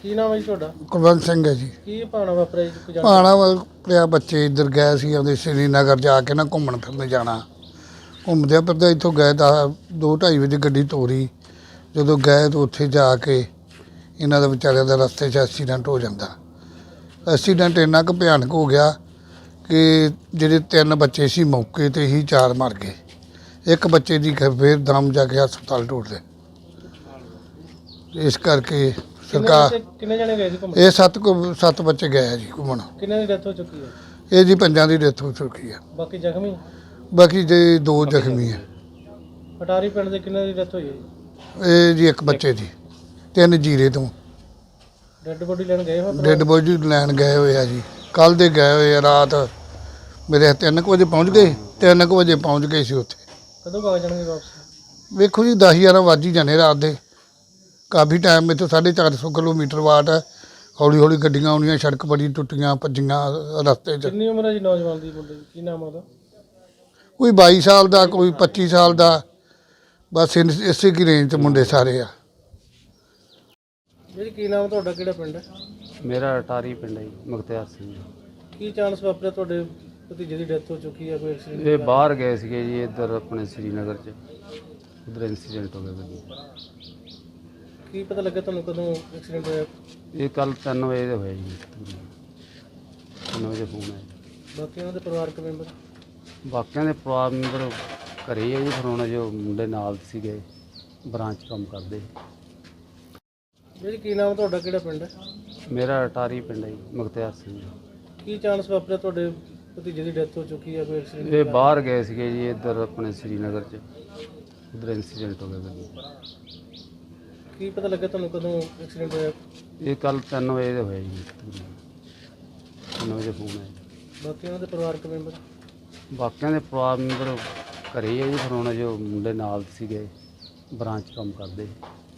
ਕੀ ਨਾਮ ਹੈ ਜੀ ਤੁਹਾਡਾ? ਕੁਲਵੰਤ ਸਿੰਘ ਹੈ ਜੀ। ਕੀ ਭਾਣਾ ਵਾਪਰਿਆ ਜੀ? ਕੋਈ ਭਾਣਾ ਵਾਪਰਿਆ, ਬੱਚੇ ਇੱਧਰ ਗਏ ਸੀ ਉਹਦੇ ਸ਼੍ਰੀਨਗਰ ਜਾ ਕੇ ਨਾ ਘੁੰਮਣ ਫਿਰਨ ਜਾਣਾ। ਘੁੰਮਦੇ ਫਿਰਦੇ ਇੱਥੋਂ ਗਏ ਤਾਂ 2:30 ਵਜੇ ਗੱਡੀ ਤੋਰੀ। ਜਦੋਂ ਗਏ ਤਾਂ ਉੱਥੇ ਜਾ ਕੇ ਇਹਨਾਂ ਦਾ ਵਿਚਾਰਿਆਂ ਦਾ ਰਸਤੇ 'ਚ ਐਕਸੀਡੈਂਟ ਹੋ ਜਾਂਦਾ। ਐਕਸੀਡੈਂਟ ਇੰਨਾ ਕੁ ਭਿਆਨਕ ਹੋ ਗਿਆ ਕਿ ਜਿਹੜੇ 3 ਬੱਚੇ ਸੀ ਮੌਕੇ 'ਤੇ ਹੀ 4 ਮਰ ਗਏ। ਇੱਕ ਬੱਚੇ ਦੀ ਫਿਰ ਦਮ ਜਾ ਕੇ ਹਸਪਤਾਲ ਟੁੱਟਦੇ। ਇਸ ਕਰਕੇ ਸਰਕਾਰ ਕਿੰਨੇ ਜਣੇ ਗਏ ਸੀ ਘੁੰਮਣ? ਇਹ 7 ਬੱਚੇ ਗਏ ਆ ਜੀ ਘੁੰਮਣ। ਕਿੰਨੇ ਦੀ ਡੈਥ ਹੋ ਚੁੱਕੀ ਹੈ? ਇਹ ਜੀ 5 ਦੀ ਡੈਥ ਹੋ ਚੁੱਕੀ ਹੈ। ਬਾਕੀ ਜ਼ਖਮੀ? ਬਾਕੀ ਜੇ 2 ਜ਼ਖਮੀ ਹੈ। ਅਟਾਰੀ ਪਿੰਡ ਦੇ ਕਿੰਨੇ ਦੀ ਡੈਥ ਹੋਈ ਹੈ ਜੀ? ਇਹ ਜੀ 1 ਬੱਚੇ ਦੀ, 3 ਜੀਰੇ ਤੋਂ। ਡੈੱਡ ਬੋਡੀ ਲੈਣ ਗਏ ਹੋ? ਡੈੱਡ ਬੋਡੀ ਲੈਣ ਗਏ ਹੋਏ ਆ ਜੀ, ਕੱਲ੍ਹ ਦੇ ਗਏ ਹੋਏ ਆ। ਰਾਤ ਮੇਰੇ 3 ਵਜੇ ਪਹੁੰਚ ਗਏ, 3 ਵਜੇ ਪਹੁੰਚ ਗਏ ਸੀ ਉੱਥੇ। ਕਦੋਂ ਆ ਜਾਣਗੇ ਵਾਪਸ? ਵੇਖੋ ਜੀ 10-11 ਵੱਜ ਹੀ ਜਾਣੇ ਰਾਤ ਦੇ। ਕਾਫੀ ਟਾਈਮ ਇੱਥੋਂ 450 ਕਿਲੋਮੀਟਰ ਵਾਟ ਹੈ। ਹੌਲੀ ਹੌਲੀ ਗੱਡੀਆਂ ਆਉਣੀਆਂ, ਸੜਕ ਬੜੀ ਟੁੱਟੀਆਂ ਭੱਜੀਆਂ ਰਸਤੇ 'ਚ। ਕਿੰਨੀ ਉਮਰ ਹੈ ਜੀ ਨੌਜਵਾਨ ਦੀ, ਮੁੰਡੇ ਦੀ? ਕੀ ਨਾਮ ਉਹਦਾ? ਕੋਈ 22 ਸਾਲ ਦਾ, ਕੋਈ 25 ਸਾਲ ਦਾ, ਬਸ ਇਸੇ ਕੀ ਰੇਂਜ 'ਚ ਮੁੰਡੇ ਸਾਰੇ ਆ। ਜੀ ਕੀ ਨਾਮ ਤੁਹਾਡਾ, ਕਿਹੜਾ ਪਿੰਡ ਹੈ? ਮੇਰਾ ਅਟਾਰੀ ਪਿੰਡ ਹੈ ਜੀ, ਮੁਖਤਿਆਰ ਸਿੰਘ। ਕੀ ਚਾਂਸ ਵਾਪਰਿਆ ਤੁਹਾਡੇ ਭਤੀਜੇ ਦੀ ਡੈਥ ਹੋ ਚੁੱਕੀ ਹੈ? ਕੋਈ ਐਕਸੀਡੈਂਟ? ਇਹ ਬਾਹਰ ਗਏ ਸੀਗੇ ਜੀ, ਇੱਧਰ ਆਪਣੇ ਸ਼੍ਰੀਨਗਰ 'ਚ। ਉੱਧਰ ਇੰਸੀਡੈਂਟ ਹੋ ਗਿਆ ਗੱਡੀ। ਕੀ ਪਤਾ ਲੱਗਾ ਤੁਹਾਨੂੰ ਕਦੋਂ ਐਕਸੀਡੈਂਟ ਹੋਇਆ? ਇਹ ਕੱਲ 3 ਵਜੇ ਦੇ ਹੋਇਆ ਜੀ, 3 ਵਜੇ ਫੋਨ ਆਇਆ। ਬਾਕੀ ਉਹਨਾਂ ਦੇ ਪਰਿਵਾਰਕ ਮੈਂਬਰ? ਬਾਕੀਆਂ ਦੇ ਪਰਿਵਾਰ ਮੈਂਬਰ ਘਰੇ ਹੀ ਆ ਜੀ। ਫਿਰ ਹੁਣ ਜੋ ਮੁੰਡੇ ਨਾਲ ਸੀਗੇ, ਬ੍ਰਾਂਚ ਕੰਮ ਕਰਦੇ। ਜੀ ਕੀ ਨਾਮ ਤੁਹਾਡਾ, ਕਿਹੜਾ ਪਿੰਡ ਹੈ? ਮੇਰਾ ਅਟਾਰੀ ਪਿੰਡ ਹੈ ਜੀ, ਮੁਖਤਿਆਰ ਸਿੰਘ। ਕੀ ਚਾਂਸ ਵਾਪਰਿਆ ਤੁਹਾਡੇ ਭਤੀਜੇ ਦੀ ਡੈਥ ਹੋ ਚੁੱਕੀ ਹੈ? ਕੋਈ ਐਕਸੀਡੈਂਟ? ਇਹ ਬਾਹਰ ਗਏ ਸੀਗੇ ਜੀ, ਇੱਧਰ ਆਪਣੇ ਸ਼੍ਰੀਨਗਰ 'ਚ। ਉੱਧਰ ਇੰਸੀਡੈਂਟ ਹੋ ਗਿਆ ਗੱਡੀ। ਕੀ ਪਤਾ ਲੱਗਾ ਤੁਹਾਨੂੰ ਕਦੋਂ ਐਕਸੀਡੈਂਟ ਹੋਇਆ? ਇਹ ਕੱਲ 3 ਵਜੇ ਦੇ ਹੋਇਆ ਜੀ, 3 ਵਜੇ ਫੋਨ ਆਇਆ। ਬਾਕੀ ਉਹਨਾਂ ਦੇ ਪਰਿਵਾਰਕ ਮੈਂਬਰ? ਬਾਕੀਆਂ ਦੇ ਪਰਿਵਾਰ ਮੈਂਬਰ ਘਰੇ ਹੀ ਆ ਜੀ। ਫਿਰ ਹੁਣ ਜੋ ਮੁੰਡੇ ਨਾਲ ਸੀਗੇ, ਬ੍ਰਾਂਚ ਕੰਮ ਕਰਦੇ।